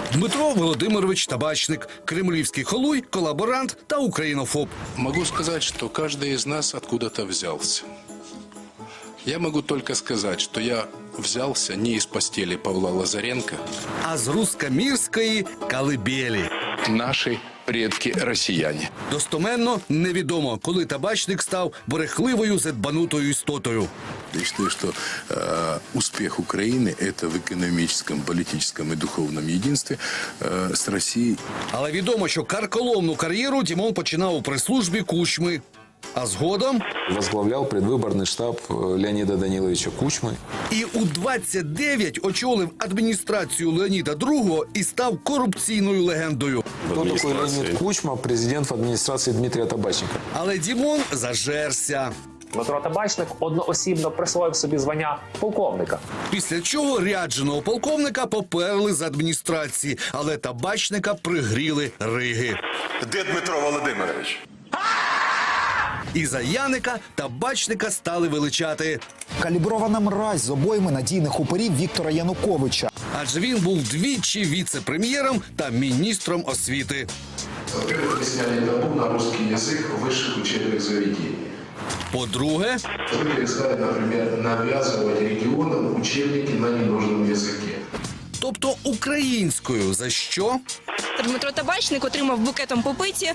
Дмитро Володимирович Табачник – кремлівський холуй, колаборант та українофоб. Могу сказать, что каждый из нас откуда-то взялся. Я могу только сказать, что я взялся не из постели Павла Лазаренко. А з руськомірської колыбелі. Наши предки россияне. Достоменно невідомо, коли Табачник став брехливою, задбанутою істотою. Я считаю, что успех Украины – это в экономическом, политическом и духовном единстве с Россией. Але відомо, що карколомну кар'єру Дімон починав у прес-службі Кучми. А згодом Возглавлял предвыборный штаб Леонида Даниловича Кучмы. і у 29 очолив адміністрацію Леоніда II і став корупційною легендою. Кто такой Леонид Кучма? Президент в администрации Дмитрия Табачника. Але Дімон зажерся. Дмитро Табачник одноосібно присвоїв собі звання полковника. Після чого рядженого полковника поперли з адміністрації, але Табачника пригріли риги. Де Дмитро Володимирович? І за Яника Табачника стали величати. Калібрована мразь з обойми надійних упорів Віктора Януковича. Адже він був двічі віце-прем'єром та міністром освіти. Во-первых, вы сняли табу на русский язык в высших учебных заведениях. По-друге, Вы перестали, например, навязывать регионам учебники на ненужном языке. тобто українською, за що? Дмитро Табачник отримав букетом по пиці.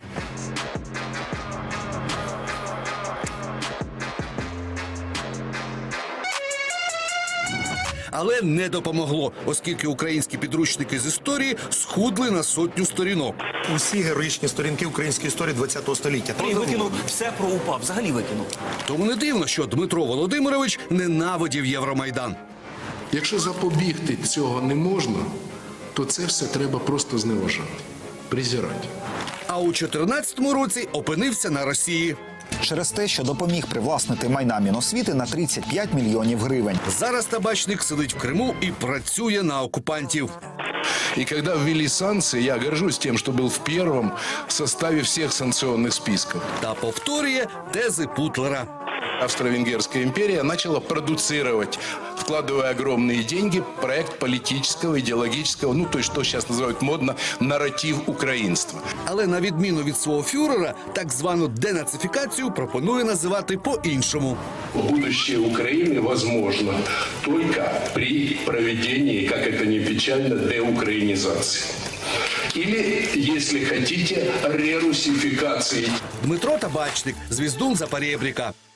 Але не допомогло, оскільки українські підручники з історії схудли на 100 сторінок. Усі героїчні сторінки української історії ХХ століття. І викинув все про УПА, взагалі викинув. Тому не дивно, що Дмитро Володимирович ненавидів Євромайдан. Якщо запобігти цього не можна, то це все треба просто зневажати, презирати. А у 14-му році опинився на Росії. Через те, що допоміг привласнити майна Міносвіти на 35 мільйонів гривень. Зараз Табачник сидить в Криму і працює на окупантів. И когда ввели санкции, я горжусь тем, что был в первом составе всех санкционных списков. Та повторює тези Путлера. Австро-Венгерская империя начала продуцировать, вкладывая огромные деньги, проект политического, идеологического, ну, то есть, что сейчас называют модно, нарратив украинства. Але на відміну від свого фюрера, так звану денацифікацію пропонує називати по-іншому. Будущее Украины возможно только при проведении, как это не печально, деукраинизации. Или, если хотите, рерусификации. Дмитро Табачник, звіздун Запорєбріка.